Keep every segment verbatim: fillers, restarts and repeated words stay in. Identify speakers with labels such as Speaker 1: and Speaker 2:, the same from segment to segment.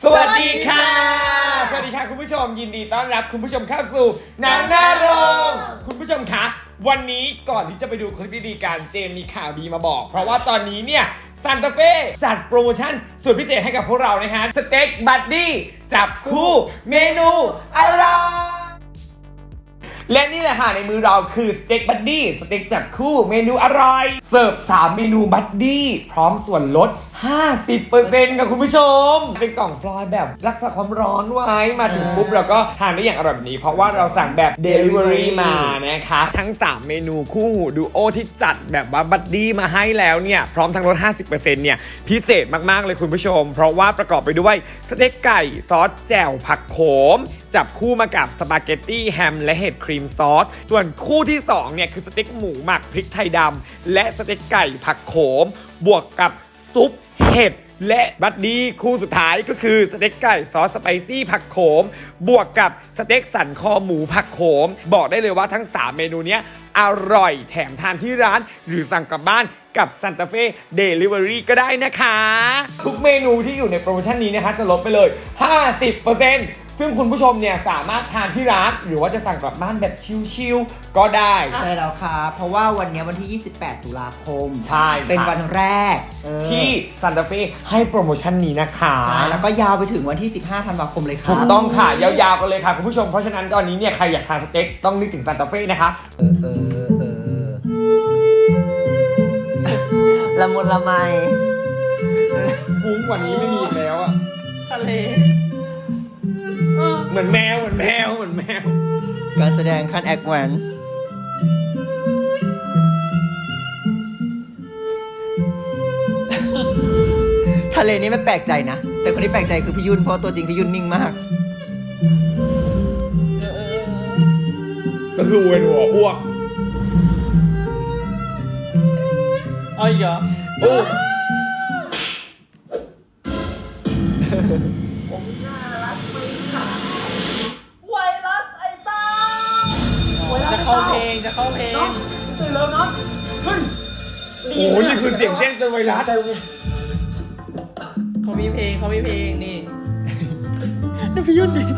Speaker 1: สวัสดีค่ะสวัสดีค่ะคุณผู้ชมยินดีต้อนรับคุณผู้ชมเข้าสู่หนังหน้าโรงคุณผู้ชมคะวันนี้ก่อนที่จะไปดูคลิปดีๆกันเจมมีข่าวดีมาบอกเพราะว่าตอนนี้เนี่ยซานตาเฟ่จัดโปรโมชั่นสุดพิเศษให้กับพวกเรานะฮะสเต็กบัดดี้จับคู่เมนูอร่อยและนี่แหละค่ะในมือเราคือสเต็กบัดดี้สเต็กจับคู่เมนูอร่อยเสิร์ฟสามเมนูบัดดี้พร้อมส่วนลด ห้าสิบเปอร์เซ็นต์ กับคุณผู้ชมเป็นกล่องฟลอยแบบรักษาความร้อนไว้มาถึงปุ๊บเราก็ทานได้อย่างอร่อยแบบนี้เพราะว่าเราสั่งแบบ Delivery มานะคะทั้งสามเมนูคู่หูดูโอที่จัดแบบว่าบัดดี้มาให้แล้วเนี่ยพร้อมทั้งลด ห้าสิบเปอร์เซ็นต์ เนี่ยพิเศษมากๆเลยคุณผู้ชมเพราะว่าประกอบไปด้วยสเต็กไก่ซอสแจ่วผักโขมจับคู่มากับสปาเกตตี้แฮมและเห็ดครีมซอสส่วนคู่ที่สองเนี่ยคือสเต็กหมูหมักพริกไทยดำและสเต็กไก่ผักโขมบวกกับซุปเห็ดและบัดดี้คู่สุดท้ายก็คือสเต็กไก่ซอสสไปซี่ผักโขมบวกกับสเต็กสันคอหมูผักโขมบอกได้เลยว่าทั้งสามเมนูเนี้ยอร่อยแถมทานที่ร้านหรือสั่งกลับบ้านกับซานตาเฟ่เดลิเวอรี่ก็ได้นะคะทุกเมนูที่อยู่ในโปรโมชั่นนี้นะคะจะลดไปเลย ห้าสิบเปอร์เซ็นต์ ซึ่งคุณผู้ชมเนี่ยสามารถทานที่ร้านหรือว่าจะสั่งกลับบ้านแบบชิลๆก็ได้
Speaker 2: ใช่แล้วค่ะเพราะว่าวันนี้วันที่ยี่สิบแปดตุลาคม
Speaker 1: ใช่
Speaker 2: เป็นวันแรก
Speaker 1: ที่ซานตาเฟ่ให้โปรโมชั่นนี้นะคะ
Speaker 2: ใช่แล้วก็ยาวไปถึงวันที่สิบห้าธันวาคมเลยค่ะ
Speaker 1: ถูกต้องค่ะยาวๆกันเลยค่ะคุณผู้ชมเพราะฉะนั้นตอนนี้เนี่ยใครอยากทานสเต็กต้องนึกถึงซานตาเฟ่นะคะ
Speaker 2: เออเออเออละมุนละไม
Speaker 1: ฟุ้งกว่านี้ไม่มีอีกแล้วอะ
Speaker 2: ทะเล
Speaker 1: เหมือนแมวเหมือนแมวเหมือนแมว
Speaker 2: การแสดงขั้นแอคแวนทะเลนี่ไม่แปลกใจนะแต่คนที่แปลกใจคือพี่ยุ่นเพราะตัวจริงพี่ยุ่นนิ่งมาก
Speaker 1: ก็คือเวียนหัวอ้วก
Speaker 3: เอาอีกเหรอ
Speaker 1: โอ้
Speaker 3: ผมน่ารักไหมคะไวรัสไอ้บ้าจะเข้าเพลงจะเข้าเพลงตื่นแล้วน็อตเฮ้ย
Speaker 1: โอ้นี่คือเสียงแจ้งเตือนไวรัส
Speaker 3: เขามีเพลงเขามีเพลงนี่
Speaker 2: นี่พี่ยุ่นดิ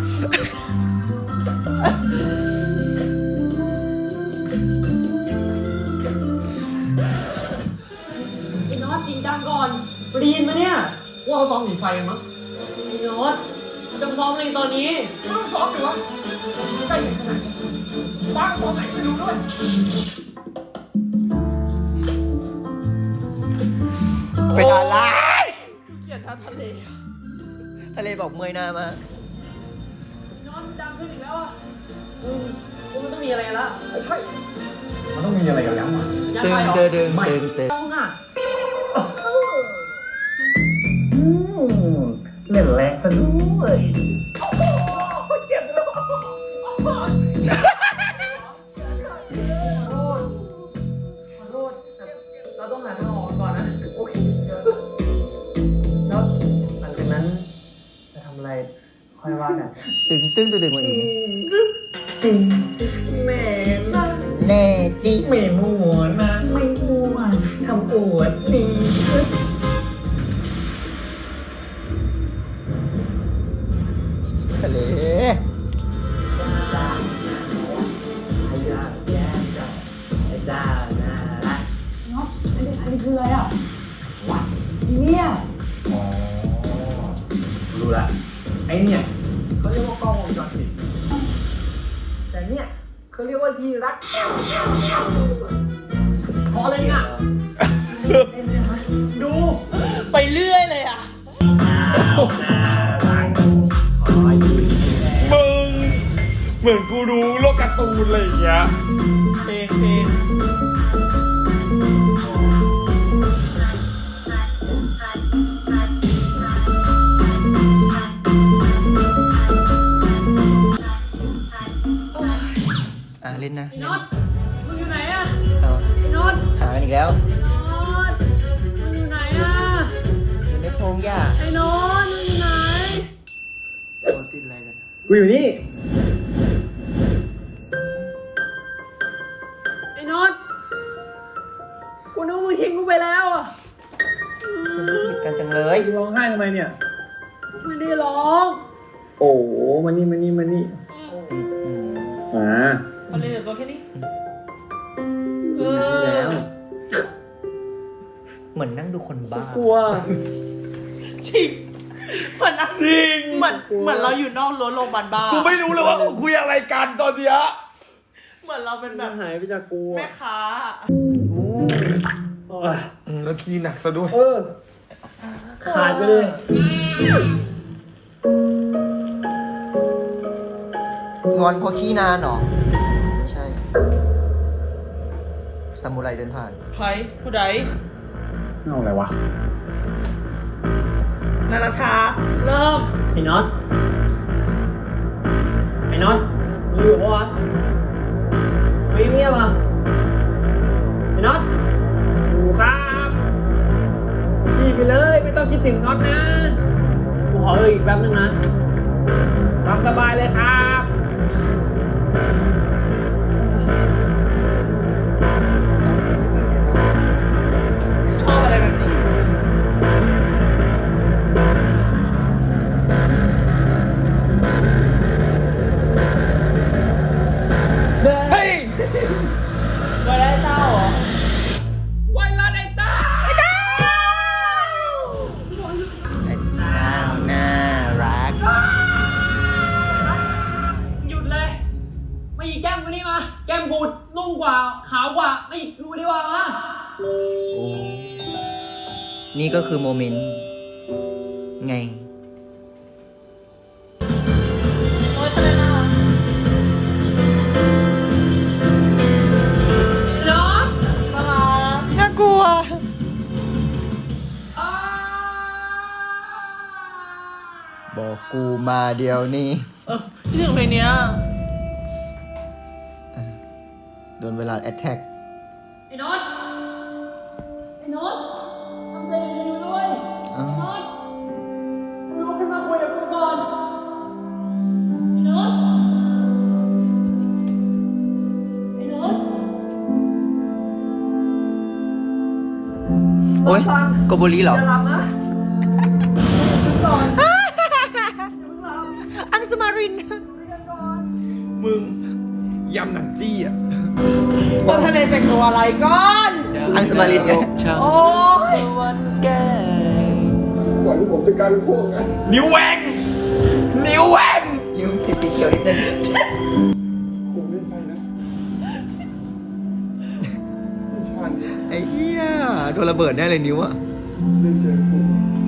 Speaker 3: ไอ้น็อตจริงจังก่อนปีนมาเนี่ยว่าเอาซ้อมหนีไฟมั้งไอ้น็อตจะซ้อมอะไรตอนนี้ต้องซ้อมหรือวะได้ยังไงบ้างซ้อมไหนไม่รู้ด้วย
Speaker 2: เป็นอะไร
Speaker 3: เกลียดท่าทะเล
Speaker 2: ทะเลบอกเมื่อยหน้ามาก
Speaker 3: น็อตดังขึ้นอีกแล้วอ่ะอืมมันต้องมีอะไรละใช่
Speaker 1: มันต้องมีอะไรกันแล้วอ่ะ
Speaker 2: ตึงเตึงตึงตึงตึง
Speaker 3: ต้องอ่ะเล่นแรงซะด้วยเจ็บเลยขอโทษขอโทษเราต้องหาทางออกก่อนนะโอเคแล้วหลังจากนั้นจะทำอะไรค่อยว่ากัน
Speaker 2: ตึงตึงตึงตึงมาอีก
Speaker 3: จริงแม่นะ
Speaker 2: แน่จิ
Speaker 3: ไม่มัวนะไม่มัวทำอวดดี
Speaker 2: ทะเล
Speaker 3: ไอ้ยาแย่จังไอ้จ้าน่ารักเนาะอันนี้อันนี้คืออะไรอ่ะวะเนี่ยอ๋อรู้ละไอ้เนี่ยเขาเรียกว่ากล้องวงจรปิดแต่เนี่ยเขาเรียกว่าที่รักพอเลยอ่ะดูไปเรื่อยเลยอ่ะ
Speaker 1: มึงเหมือนกูดูโลกการ์ตูนอะไรอย่างเงี้ย
Speaker 3: เพลงเพลง
Speaker 2: อ่ะเล่นนะ
Speaker 3: ไอ้น็อตมึงอยู่ไหนอ่ะไอ้
Speaker 2: น็
Speaker 3: อต
Speaker 2: หากันอีกแล้ว
Speaker 3: น็อตมึงอยู่ไหนอ่ะ
Speaker 2: อยู่ในพงหญ้า
Speaker 3: ไอ้น็อตมึงอยู่ไหน
Speaker 2: โดนติดอะไรกัน
Speaker 3: กูอยู่นี่ไอ้น็อตกูนึกว่ามึงทิ้งกูไปแล้วอ่ะ
Speaker 2: ฉันผิดกันจังเลย
Speaker 3: ร้องไห้ทำไมเนี่ยไม่ได้ร้อง โอ้มานี่มานี่มานี่มา
Speaker 4: มันเลยเหลือตัวแค่นี้เอ
Speaker 3: แล้ว
Speaker 4: อ
Speaker 2: เหมือนนั่งดูคนบ้าก
Speaker 3: ลัว
Speaker 4: จริงเหมือนอะ
Speaker 1: จริง
Speaker 4: เหมือนเหมือนเราอยู่นอกรั้วโรงพยาบาลบ้า
Speaker 1: กูไม่รู้เลยว่าเขาคุยอะไรกันตอนเนี้ย
Speaker 4: เหมือนเราเป็นแบ
Speaker 3: แบบ บหายไปจากกู
Speaker 4: แม่ค้า
Speaker 2: อู้
Speaker 3: โอ้ย
Speaker 1: อืมแล้วขี้หนักซะด้วย
Speaker 3: เออขาดไปเลย
Speaker 2: งอนเพราะขี้นานเหรอไม่ใช่ซามูไรเดินผ่าน
Speaker 4: ไพผู้ใด
Speaker 3: เอาอะไรวะ
Speaker 4: นาราชา เริ่ม
Speaker 3: ไอ้น็อตไอ้น็อตมึงอยู่ปะวะไม่เงียบอ่ะไอ้น็อตอยู่ครับขี่ไปเลยไม่ต้องคิดถึงน็อตนะกูขอเอออีกแป๊บนึงนะตามสบายเลยครับ
Speaker 4: ชอบอะไรแบบนี้
Speaker 1: เฮ้ย
Speaker 4: ไว้ได้เต้าเหรอ
Speaker 3: ไว้ละไอ้ตา
Speaker 2: ไอ้น่าน่ารัก
Speaker 3: หยุดเลย ไม่อีกแก้มกูนี่มา แก้มกูนุ่มกว่า ขาวกว่า ไม่อีกดูดีกว่ามา
Speaker 2: นี่ก็คือโมเมนต์ไง
Speaker 4: โอ้ยทะเลน่ารัก
Speaker 3: น้อง
Speaker 4: น่ารัก
Speaker 2: น่ากลัว บอกกูมาเดียวนี้
Speaker 4: เออที่ถึงเพลงเนี้ย
Speaker 2: โดนเวลาแอตแทก
Speaker 3: ไอ้น็อตไอ้น็อตทำใจดีๆด้วยน็อตมึงลุกขึ้นมาคุยกับกูก่อนไอ้น็อตไอ้น็อต
Speaker 2: โอ๊ยโกโบลีเหรอ
Speaker 3: อย่าหลับนะลุกก่อน
Speaker 2: อังสุมาริน
Speaker 1: มึงยำหนังจี้อ่ะ
Speaker 4: ก็ทะเลแต่งตัวอะไรก่อน
Speaker 2: อังสุมารินไง
Speaker 4: โอ้ย
Speaker 3: ก่อนที่ผมจะกลายเป็นพวกนะ
Speaker 1: นิ้วแหวงนิ้วแหวง
Speaker 2: นิ้วติดสีเขียวนิดนึง
Speaker 3: ผมไม่ใช่นะไม่ใช่
Speaker 2: ไอ้เหี้ยโดนระเบิดแน่เลยนิ้วอะ
Speaker 3: ไม่เจอกู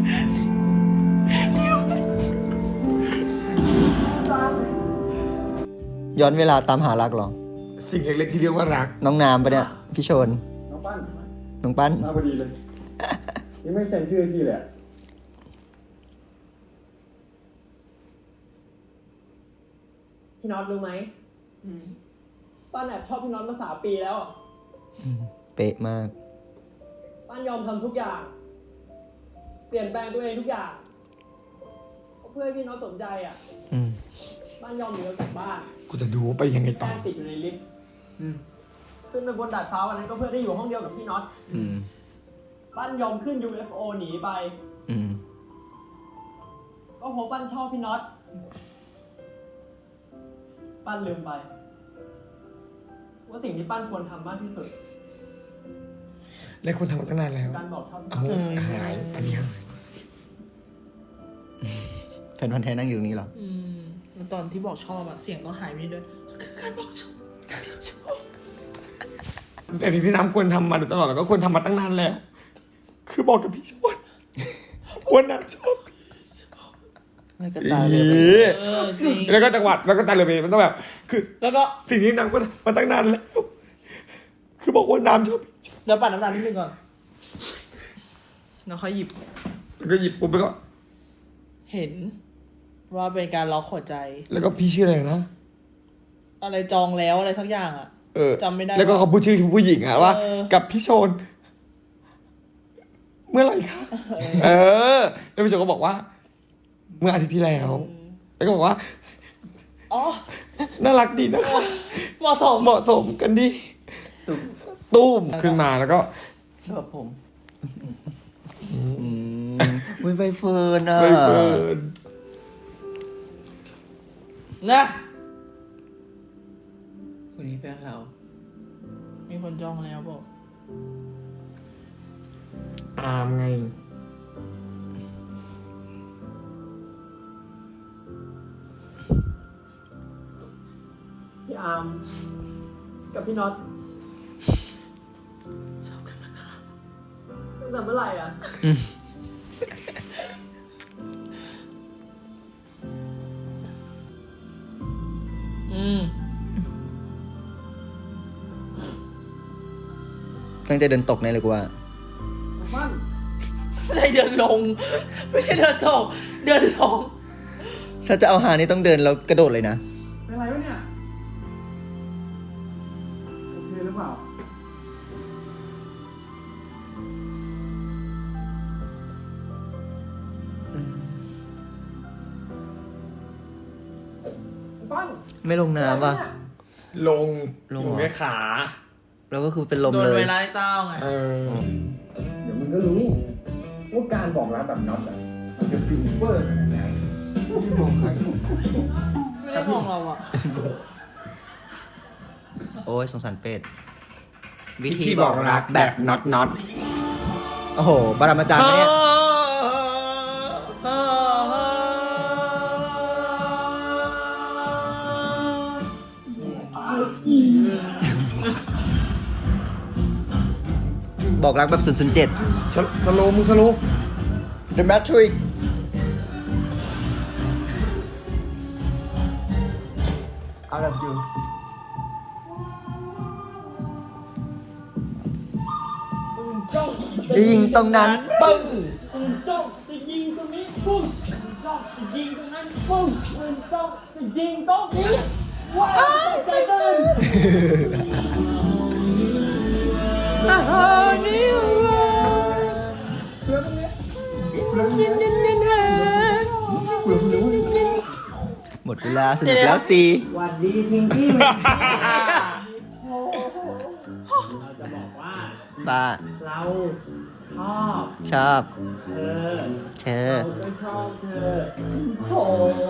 Speaker 2: ย้อนเวลาตามหารักเหรอ
Speaker 1: สิ่งเล็กๆที่เรียกว่ารัก
Speaker 2: น้องน้ำปะเนี่ย พี่ชน
Speaker 3: น้องปั้น
Speaker 2: น้องปั้น
Speaker 3: มาพอดีเลย ยังไม่เซ็นชื่อให้พี่เลยอะพี่น็อตรู้ไหมป้านแอบชอบพี่น็อตมาสามปีแล้ว
Speaker 2: เป๊ะมาก
Speaker 3: ป้านยอมทำทุกอย่าง เปลี่ยนแปลงตัวเองทุกอย่างเพื่อให้พี่น็อตสนใจอ่ะ
Speaker 2: อืม
Speaker 3: ป้านยอมหนีออกจากบ้าน
Speaker 1: กูจะดูว่าไปยังไงต่อ
Speaker 3: แป้งติดอยู่ในลิฟต์ขึ้นไปบนดาดฟ้าวันนั้นก็เพื่อได้อยู่ห้องเดียวกับพี่น็อต
Speaker 2: อืม
Speaker 3: ป้านยอมขึ้น ยู เอฟ โอ หนีไป
Speaker 2: อืม
Speaker 3: ก็เพราะป้านชอบพี่น็อต ป้านลืมไป ว่าสิ่งที่ป้านควรทำมากที่สุด
Speaker 1: และคุณทำมาตั้งนานแล้ว
Speaker 3: การบอกชอบพี่
Speaker 1: เอา
Speaker 3: น็อต
Speaker 1: หายอันนี้หาย
Speaker 2: แฟนพันธ์แท้นั่งอยู่ตรงนี้เหรอ
Speaker 4: อืมแล้วตอนที่บอกชอบอะเสียงต้องหายไปด้วยคือการบอกชอบที่ชอบ
Speaker 1: แต่สิ่งที่น้ำควรทำมาโดยตลอดแล้วก็ควรทำมาตั้งนานแล้ว คือบอกกับพี่ชวนว่าน้ำชอบพี่
Speaker 2: แล้วก็ตายเลย
Speaker 1: อี
Speaker 4: เออจริง
Speaker 1: แล้วก็จังหวัดแล้วก็ตาเลยมันต้องแบบ คือ
Speaker 4: แล้วก็
Speaker 1: สิ่งที่น้ำก็ทำมาตั้งนานแล้ว คือบอกว่าน้ำชอบพี่
Speaker 4: เดี๋ยวปั่นน้ำตาลนิดนึงก่อนแล้วค่อยหยิบ
Speaker 1: แล้วก็หยิบปุ๊บแล้วก็
Speaker 4: เห็นว่าเป็นการล็อกหัวใจ
Speaker 1: แล้วก็พี่ชื่ออะไรนะ
Speaker 4: อะไรจองแล้วอะไรสักอย่างอะ
Speaker 1: เออ
Speaker 4: จำไม่ได้
Speaker 1: แล้วก็เขาพูดชื่อผู้หญิงอะว่า
Speaker 4: เออ
Speaker 1: กับพี่โชน เมื่อไหร่คะเออ แล้วพี่โชนก็บอกว่า เมื่ออาทิตย์ที่แล้ว แล้วก็บอกว่า
Speaker 4: อ๋อ
Speaker 1: น่ารักดีนะคะ
Speaker 4: เหมาะสม
Speaker 1: เหมาะสมกันดี
Speaker 2: ตุ้ม
Speaker 1: ตุ้มขึ้นมาแล้วก็
Speaker 2: ชอบผม อืมอุ้ยใบเฟิร์นอ่ะ
Speaker 1: ใบเฟิร์น
Speaker 4: นะ
Speaker 2: คนนี้เพื่อนเรา
Speaker 4: มีคนจองแล้วบอก
Speaker 1: อามไง
Speaker 3: พี่อาร์มกับพี่น็อต
Speaker 4: ชอบกันนะคะ
Speaker 3: ตั้งแต่เมื่อไหร่อ่ะ
Speaker 4: อืม
Speaker 2: ตั้งใจเดินตกแน่เลยกูว่า
Speaker 3: มัน
Speaker 4: ไม่ใช่เดินลง ไม่ใช่เดินตกเดินลง
Speaker 2: ถ้าจะเอาหานี่ต้องเดินแล้วกระโดดเลยนะ
Speaker 3: เป็นไรวะเนี่ย โอเคหรือเปล่า ปั้น
Speaker 2: ไม่ลงน้ำว่ะ
Speaker 1: ลง
Speaker 2: ลง
Speaker 1: อยู่
Speaker 2: เหรอ
Speaker 1: แค่ขา
Speaker 2: แล้วก็คือเป็นลม
Speaker 4: โดน
Speaker 2: เลย
Speaker 4: เวลาไอ้เต้าไง
Speaker 1: เออ
Speaker 3: เดี๋ยวมึงก็รู้ว่าการบอกรักแบบน็อตอ่ะมันจะฟินเวอร์ขนาดไหนที่มองใคร
Speaker 4: ไม่ได้มองเราอ่ะ
Speaker 2: โอ้ยสงสารเป็ด
Speaker 1: วิธีบอกรักแบบน็อตน็อต
Speaker 2: โอ้โห บารามาจารย์ปะเนี่ย บอกรักแบบศูนย์ศูนย์เจ็ด
Speaker 1: สสโลว์มึงสโลว์
Speaker 2: The Matrix
Speaker 3: เอาแบบอยู่
Speaker 2: ยิงตรงนั้น
Speaker 1: ปึ้ง
Speaker 3: ปืนจ้องจะยิงตรงนี้ปุ้งปืนจ้องจะยิงตรงนั้นปุ้งปืนจ้องจะยิงตรงนี้ว้าวใจเต้น
Speaker 2: หมดเวลาสนุกแล้วสิ
Speaker 3: หวัดดีพิงกี้เราจะบอกว่า
Speaker 2: บ้า
Speaker 3: เราชอบ
Speaker 2: ชอบ
Speaker 3: เธอ
Speaker 2: เชอ
Speaker 3: เราก็ชอบเธอโถ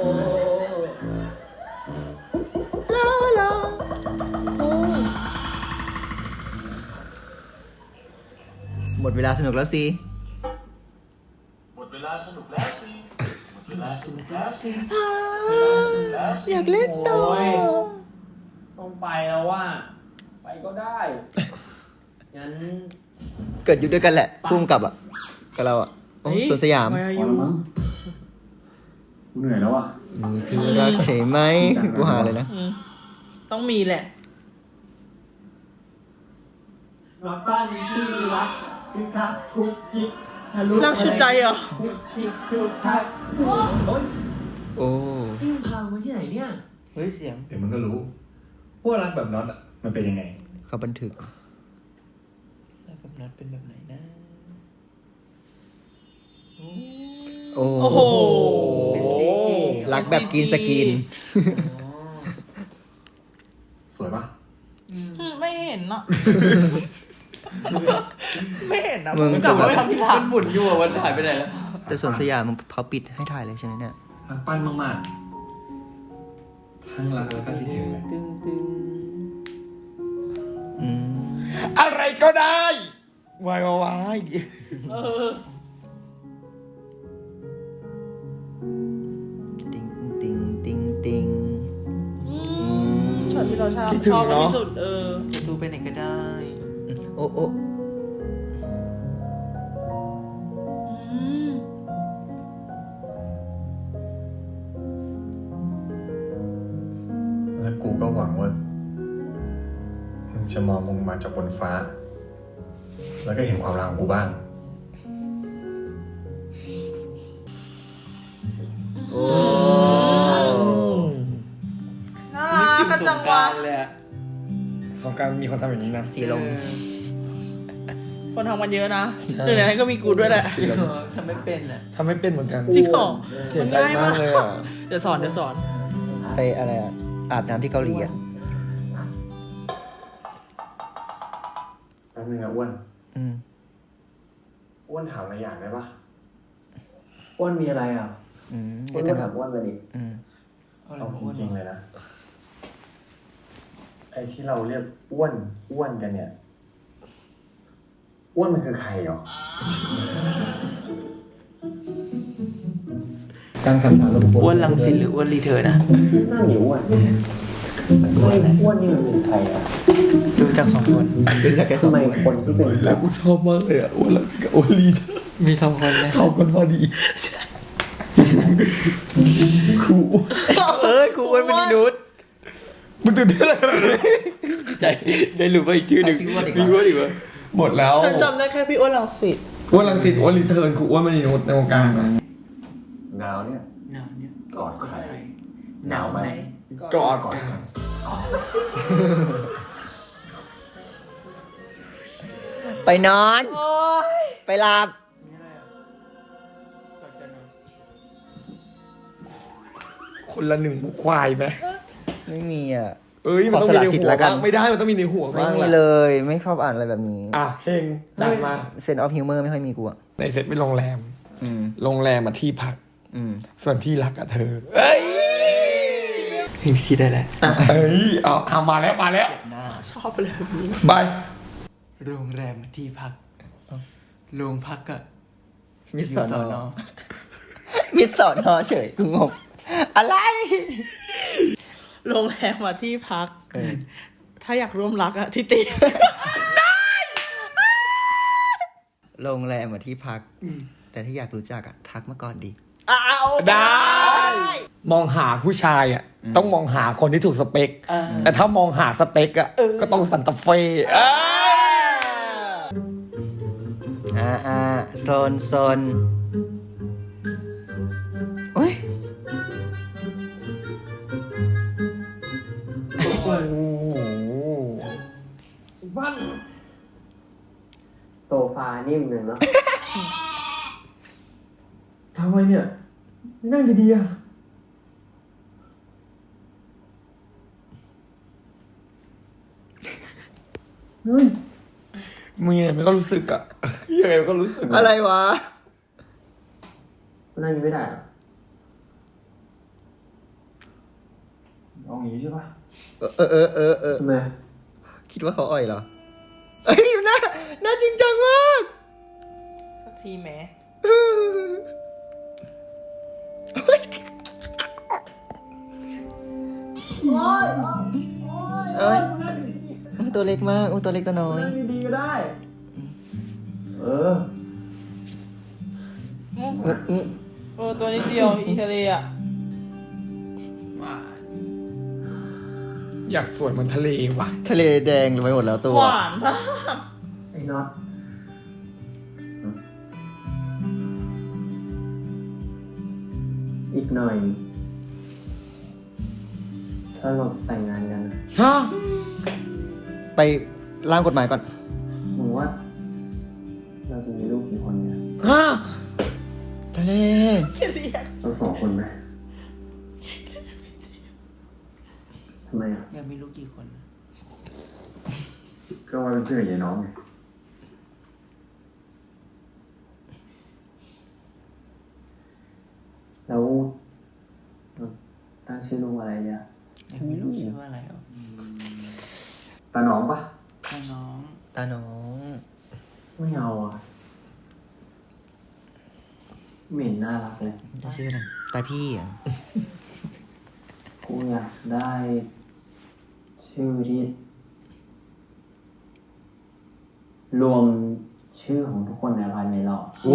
Speaker 2: หมดเวลาสนุกแล้วสิ
Speaker 5: หมดเวลาสนุกแล้วสิ หมดเวลาสนุกแล้วสิ
Speaker 2: อยากเล่นต่อ
Speaker 3: โอ้ยต้องไปแล้วว่า ไปก็ได้ งั้น
Speaker 2: เกิดอยู่ด้วยกันแหละพุ่มกับอ่ะ กับเราอ่ะโอ้สวนสยาม
Speaker 4: Where are you
Speaker 3: กูเหนื่อยแล้วอ่ะ
Speaker 2: มีพี่รักใช่ไหมกูหาเลยนะ
Speaker 4: อืมต้องมีแหละ
Speaker 3: รักบ้านที่รักสิครับคุกกิ๊กทะลุ
Speaker 4: รักชุดใจเหรอ
Speaker 3: คุกกิ๊กทุกทัก
Speaker 2: โอ้
Speaker 5: นี่มึงพามาที่ไหนเนี่ย
Speaker 2: เฮ้ยเสียง
Speaker 6: เดี๋ยวมันก็รู้ว่ารักแบบน็อตอ่ะมันเป็นยังไง
Speaker 2: เขาบันทึกแล้วแบบนั้นเป็นแบบไหนนะ โอ้
Speaker 4: โอ้โห
Speaker 2: รักแบบกินสกิน
Speaker 6: สวยปะ
Speaker 4: อืมไม่เห็นอ่ะ ไม่เห็นอ่ะ
Speaker 2: มึง
Speaker 4: กลับมาไปทำที่หลัง
Speaker 5: หมุนอยู่อ่ะวันหายไปไหนแล้ว
Speaker 2: แต่สวนสยามมันเขาปิดให้ถ่ายเลยใช่ไหมเนี่ย
Speaker 6: รักปั้นมากๆทั้งรักแล้วก็คิดถึงเลย
Speaker 2: ตึงตึงอืม
Speaker 1: อะไรก็ได้วายวายวาย
Speaker 4: เออ
Speaker 2: ติงติงติงติง
Speaker 4: อืมช็อตที่เราชอบ
Speaker 1: คิดถึ
Speaker 4: ช
Speaker 1: ง
Speaker 4: อบกัน
Speaker 1: เนาะ
Speaker 4: ที่สุด เออ
Speaker 2: ดูไปไหนก็ได้ โอ้โอ้
Speaker 4: อืม
Speaker 6: แล้วกูก็หวังว่ามึงจะมองมึงมาจากบนฟ้า แล้วก็เห็นความรักของกูบ้าง
Speaker 2: โอ้
Speaker 4: น่ารักกันจังวะ
Speaker 1: สงกรารมีคนทำอย่างนี้นะ
Speaker 2: สีลม
Speaker 4: คนทำกันเยอะนะหนึ่งในนั้นก็มีกูด้วยแหละ
Speaker 5: ทำไม่เป็นอ่ะ
Speaker 1: ทำไม่เป็นเหมือนกัน
Speaker 4: จริงเหรอ
Speaker 1: เสียใจมากเลยอ่ะ
Speaker 4: เดี๋ยวสอนเดี๋ยวสอน
Speaker 2: ไปอะไรอ่ะ อาบน้ำที่เกาหลีอ่ะ
Speaker 6: แป๊บนึงนะอ้วน
Speaker 2: อืม
Speaker 6: อ้วนถามอะไรอย่างได้ปะ
Speaker 3: อ้วนมีอะไรอ่ะ
Speaker 2: อืม
Speaker 3: อ้
Speaker 2: เดี๋
Speaker 3: วย น
Speaker 2: วกัน
Speaker 3: ถา
Speaker 2: แบ
Speaker 3: ม
Speaker 2: บ
Speaker 3: อ้วนเลยดิ
Speaker 2: อืม
Speaker 6: เอาจริงๆเลยนะ ไอ้ที่เราเรียกอ้วนอ้วนกันเนี่ย อ้วนมันคือใครหรอ
Speaker 2: ตั้งคำถามแล้วกู
Speaker 7: อ้วนลังสิตหรืออ้วนรีเทิร์นอะ
Speaker 6: นั่นนี่อ้วนอ้วนอ้วนนี่มันเป็นใครอ่ะ
Speaker 7: ดูจากสองคน
Speaker 2: เป็นจากแค่สอ
Speaker 6: ทำ
Speaker 2: ง
Speaker 6: ไม
Speaker 2: คน
Speaker 6: คนที่เป็นแบบ
Speaker 1: กูชอบมากเลยอะอ้วนลังสิตกับอ้วนลีเธอร์
Speaker 7: มีสองคนเลย
Speaker 1: เข้ากันพอดีครูอ้วน
Speaker 7: เออกูอ้วนเป็นมนุษย์
Speaker 1: มึงตื่นเต้นอะไร
Speaker 7: ใจได้รู้ว่าอีกชื่อหนึ่งมีอ้วนอีกวะ
Speaker 1: หมดแล้ว
Speaker 4: ฉันจำได้แค่พี่อ้วนลังสิต
Speaker 1: อ้วนลังสิตอ้วนรีเทิร์นคืออ้วนมณีนุชในวงการนะ
Speaker 6: หนาวเนี่ย
Speaker 7: หนาวเนี่ย
Speaker 6: กอดใคร
Speaker 7: หนาวไหม
Speaker 1: กอด
Speaker 6: กอด
Speaker 1: กัน
Speaker 6: ใคร
Speaker 2: ไปนอน ไปหลับ
Speaker 1: คนละหนึ่งหมูควายไหม
Speaker 2: ไม่มีอ่ะ
Speaker 1: เอ้ยมันต้องมีใน
Speaker 2: ขอสละสิทธิ์
Speaker 1: หัว
Speaker 2: แล้วกัน
Speaker 1: บ้างไม่ได้มันต้องมีในหัว
Speaker 2: ไม่
Speaker 1: บ้าง
Speaker 2: มี
Speaker 1: แหละ
Speaker 2: เลย ไม่ชอบอ่านอะไรแบบนี้
Speaker 1: อ่ะเฮงจัดมา
Speaker 2: เซนออฟฮิวเมอร์ไม่ค่อยมีกูอ่ะ
Speaker 1: ในเซ็ตเป็นโรงแรม
Speaker 2: อืม
Speaker 1: โรงแรมมาที่พัก
Speaker 2: อืม
Speaker 1: ส่วนที่รักกับเธอ เอ้ย
Speaker 7: มีพิธีได้แล้ว
Speaker 1: เอ้ยเอาเอามาแล้วมาแล้ว
Speaker 4: ชอบเลยแบบนี้
Speaker 1: บาย
Speaker 7: โรงแรมที่พักโรงพักอะ
Speaker 2: มิส
Speaker 7: อยู่
Speaker 2: สอน
Speaker 7: ส
Speaker 2: อ
Speaker 7: อนอ
Speaker 2: มิสสอนอเฉยกูงงอะไร
Speaker 4: โรงแรมมาที่พัก
Speaker 2: เออ
Speaker 4: ถ้าอยากร่วมรักอะที่ตี
Speaker 2: โรงแรมมาที่พัก แต่ถ้าอยากรู้จักอ่ะ ทักมาก่อนดี
Speaker 4: อ้าว
Speaker 1: ได้ มองหาผู้ชายอ่ะ ต้องมองหาคนที่ถูกสเปค แต่ถ้ามองหาสเต็กอ่ะก็ต้องสันตาเฟ่เอ้ย
Speaker 2: อ่าอ่าโซนโซนโอ้ย
Speaker 1: โอ้โหบ้าน
Speaker 3: โซฟานิ่มเลยเนาะ
Speaker 6: ทำไมเนี่ย นั่งดีๆอ่ะ
Speaker 2: เฮ้ย
Speaker 1: มึงยังไงมันก็รู้สึกอ่ะยังไงมันก็รู้สึก
Speaker 2: อะไรวะ
Speaker 3: นั่งนี้ไม่ได้เหรอ
Speaker 6: เอางี้ใช่ปะ
Speaker 2: เออเออเออเออ
Speaker 3: ทำไม
Speaker 2: คิดว่าเขาอ่อยเหรอ เอ้ยหน้าหน้าจริงจังมาก
Speaker 4: สักทีแหม
Speaker 2: เอ้ยอุ๊ยตัวเล็กมากอุ้ยตัวเล็กตัวน้อย
Speaker 6: นั่งดีๆก็ได้ เออ
Speaker 2: อืม
Speaker 4: โอ้ตัวนิดเดียวอีทะเลอะ
Speaker 1: อยากสวยเหมันทะเลว่ะ
Speaker 2: ทะเลแดงไปหมดแล้วตัว
Speaker 4: หวานมาก
Speaker 3: ไอ้น็อตอีกหน่อย ถ้าเราแต่งงานกัน
Speaker 2: ฮะ ไปร่างกฎหมายก่อน
Speaker 3: มึงว่า เราจะมีลูกกี่คนเนี่ย
Speaker 2: ฮะ ทะเล
Speaker 3: เราสองคนไหมทำไมอ่ะ
Speaker 7: อยากมีลูกกี่คน
Speaker 6: ก็ว่าเป็นเพื่อนกับยายน้องไง
Speaker 3: แล้วเราตั้งชื่อลูกอะไรเนี่ย
Speaker 7: อยากมีลูกชื่อว่าอะไรอ่ะ
Speaker 6: ตาน้องปะ
Speaker 7: ถ้าน้อง
Speaker 2: ตาน้อง
Speaker 3: ไม่เอาอ่ะไม่เห็นน่ารักเลย
Speaker 2: ได้ชื่ออะไรตาพี่อ่ะ
Speaker 3: กูอยากได้ชื่อที่รวมชื่อของทุกคนในอพาร์ตเมนต์เรา
Speaker 2: โอ้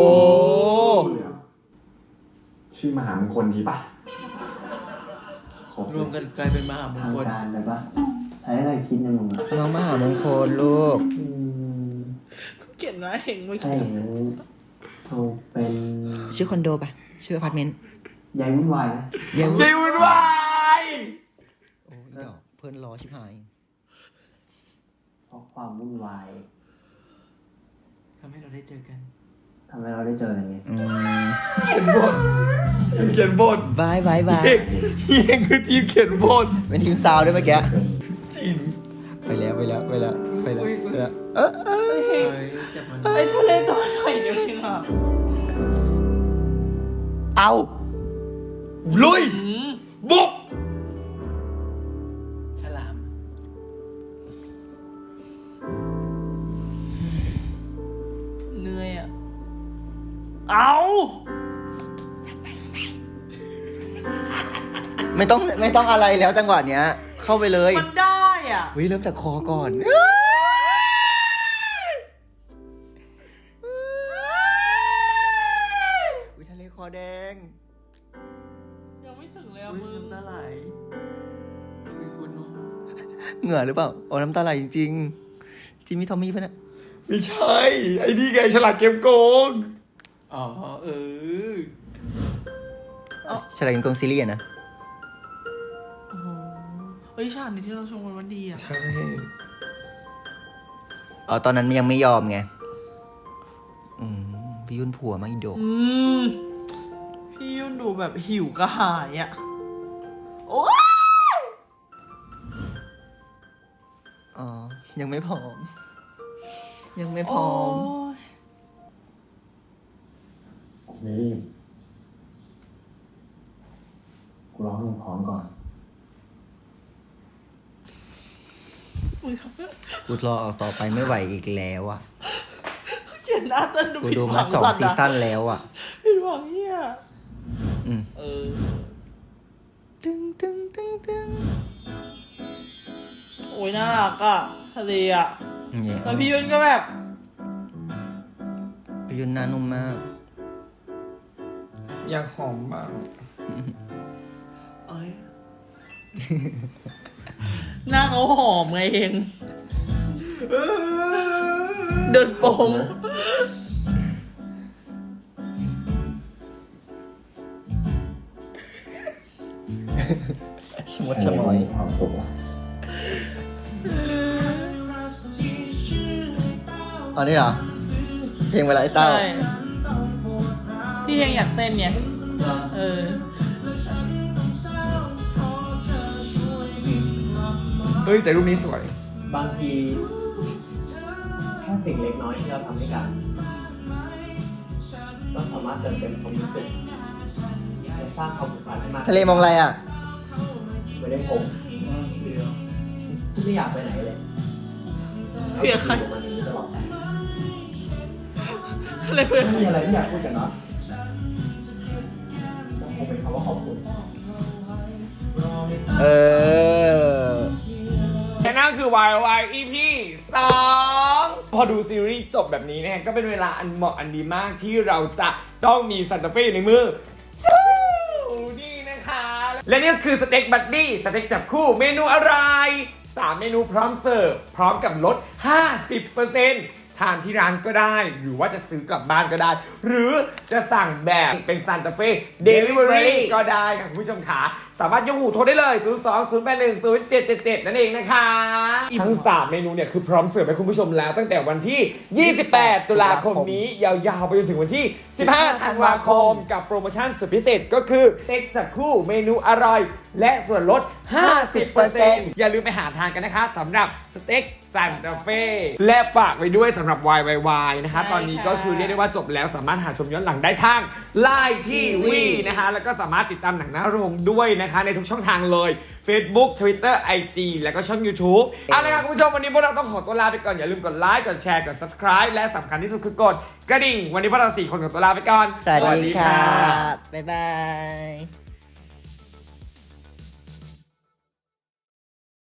Speaker 6: ชื่อมหามงคลดีปะครบ
Speaker 7: รวมกันกลายเป็นมหามง
Speaker 3: ทาง
Speaker 7: คล
Speaker 3: การเลยปะใช้อะไรคิดในมึงอะ
Speaker 2: น้องมหามงคลลูก
Speaker 3: อืม
Speaker 4: เขียนไว้เห็นเมื่อ
Speaker 3: ถ้า
Speaker 4: กี้
Speaker 3: อย่างนั้นเอาเป็น
Speaker 2: ชื่อคอนโดปะชื่ออพาร์ตเมนต์
Speaker 3: ยายวุ่นวายนะ
Speaker 2: เย้
Speaker 1: ยิวุ่นวาย
Speaker 2: โอ้ยดอกเพื่อนรอชิบหาย
Speaker 3: เพราะความวุ่นวาย
Speaker 7: ทำให้เราได้เจอกัน
Speaker 3: ทำให้เราได้เจอกันไง
Speaker 2: อืม
Speaker 1: เขียนบทเขียนบท
Speaker 2: บายบายบาย
Speaker 1: เฮียคือทีมเขียนบท
Speaker 2: เป็นทีมซาวด์ด้วยเมื่อกี้
Speaker 1: จริง
Speaker 2: ไปแล้วไปแล้วไปแล้วไปแล้วไปแล้วเออเออ
Speaker 7: เฮ้ยจับมัน
Speaker 4: ไอ้ทะเลตัวหน่อยเดียวเองอะ
Speaker 2: เอา
Speaker 1: ลุย
Speaker 4: อืม
Speaker 1: บุก
Speaker 7: ฉลาม
Speaker 4: เหนื่อยอ่ะ เอา
Speaker 2: ไม่ต้องไม่ต้องอะไรแล้วจังหวะเนี้ย เข้าไปเลย
Speaker 4: มันได้อ่ะ
Speaker 2: วิเริ่มจากคอก่อนวิทะเลคอแดง
Speaker 4: ยังไม่ถึงเลยอ่ะ
Speaker 7: อุ้ย
Speaker 4: มึง
Speaker 7: น้ำตาไหลคือคุณเนาะ
Speaker 2: เหงื่อหรือเปล่าโอ้น้ำตาไหลจริงๆจิมมี่ทอมมี่ปะเนี่ย
Speaker 1: ไม่ใช่ ไอ้นี่ไงฉลาดเกมโกง
Speaker 7: อ๋อ เออ
Speaker 2: ฉลาดกินโกงซีรีส์อะนะ
Speaker 4: โอ้โหเฮ้ยฉากนี้ที่เราชมกันว่าดีอ่ะ
Speaker 1: ใช่
Speaker 2: อ๋อตอนนั้นยังไม่ยอมไงอืมพี่ยุ่นผัวมาอีโด
Speaker 4: อืม พี่ยุ่นดูแบบหิวกระหายอ่ะ โอ้ย
Speaker 2: อ๋อ ยังไม่พร้อม ยังไม่พร้อม
Speaker 6: ไม่รีบ กูร้องให้มึงพร้อมก่อน
Speaker 4: มึงครับ
Speaker 2: กูรอออกต่อไปไม่ไหวอีกแล้วอ่ะ
Speaker 4: เขียนหน้าเต้นดู
Speaker 2: กู
Speaker 4: ผิด
Speaker 2: ดู
Speaker 4: หวั
Speaker 2: มาง สอง
Speaker 4: สัตว์
Speaker 2: ซี
Speaker 4: อะ
Speaker 2: ซั่นแล้วอ่ะ
Speaker 4: ผิดหวังเฮีย
Speaker 2: อืม
Speaker 4: เออ
Speaker 2: ตึงตึงตึงตึง
Speaker 4: โอ้ยน่ารักอ่ะทะเลอ่ะ
Speaker 2: เนี่ย
Speaker 4: แล้วพี่ยุ่นก็แบบ
Speaker 2: พี่ยุ่นหน้านุ่มมาก
Speaker 1: อยากหอมบ้าง
Speaker 4: เอ้ย หน้าเขาหอมไงเอง เดินโปง
Speaker 2: ชะมดชะมอย
Speaker 6: ความสุขอะ
Speaker 2: อ๋อนี่เหรอ เพลงเวลาไอ้เต้า
Speaker 4: ใช่ที่ยังอยากเต้นเนี่ย เออ
Speaker 1: เฮ้ยแต่รูปนี้สวย
Speaker 3: บางทีแค่สิ่งเล็กน้อยที่เราทำให้กันก็สามารถเติมเต็มความรู้สึกและสร้างความผูกพันให้มาก
Speaker 2: ทะเลมองอะไรอ่ะ
Speaker 3: ไม่ได้ผมที่ไม่อยากไปไหนเลย
Speaker 4: เพื่อใคร
Speaker 3: อยู่กับมันอย่างนี้ตลอดไป
Speaker 4: อะไรเพื่อน
Speaker 3: ไม่มีอะไรที่อยากพูดกันเนาะก็คงเป็นคำว่าขอบคุณ
Speaker 2: เออ
Speaker 1: และนั่นคือ วาย วาย อี พี สองพอดูซีรีส์จบแบบนี้นะฮะก็เป็นเวลาอันเหมาะอันดีมากที่เราจะต้องมีซันตาเฟ่อยู่ในมือจู้นี่นะคะ และนี่ก็คือสเต็กบัดดี้สเต็กจับคู่เมนูอะไรสามเมนูพร้อมเสิร์ฟพร้อมกับลด ห้าสิบเปอร์เซ็นต์ ทานที่ร้านก็ได้ หรือว่าจะซื้อกลับบ้านก็ได้ หรือจะสั่งแบบเป็นซันตาเฟ่เดลิเวอรี่ก็ได้ค่ะคุณผู้ชมขาสามารถยกหูโทรได้เลย ศูนย์ สอง ศูนย์ แปด หนึ่ง ศูนย์ เจ็ด เจ็ด เจ็ด นั่นเองนะคะ ทั้งสามเมนูเนี่ยคือพร้อมเสิร์ฟให้คุณผู้ชมแล้วตั้งแต่วันที่ ยี่สิบแปด ตุลาคมนี้ ยาวๆไปจนถึงวันที่ สิบห้า ธันวาคม กับโปรโมชั่นสุดพิเศษก็คือสเต็กสักคู่เมนูอร่อย และส่วนลด ห้าสิบเปอร์เซ็นต์ อย่าลืมไปหาทานกันนะคะสำหรับสเต็กซันตาเฟ่และฝากไว้ด้วยสำหรับ วาย วาย วาย นะคะ ตอนนี้ก็คือเรียกได้ว่าจบแล้วสามารถหาชมย้อนหลังได้ทางไลน์ทีวีนะคะแล้วก็สามารถติดตามหนังหน้าโรงด้วยนะคะในทุกช่องทางเลย Facebook Twitter ไอ จี แล้วก็ช่อง YouTube เอาละครับคุณผู้ชมวันนี้พวกเราต้องขอตัวลาไปก่อนอย่าลืมกดไลค์กดแชร์กด Subscribe และสำคัญที่สุดคือกดกระดิ่งวันนี้พวกเราสี่คนขอตัวลาไปก่อน
Speaker 2: สวัสดีค่ะ บ๊ายบาย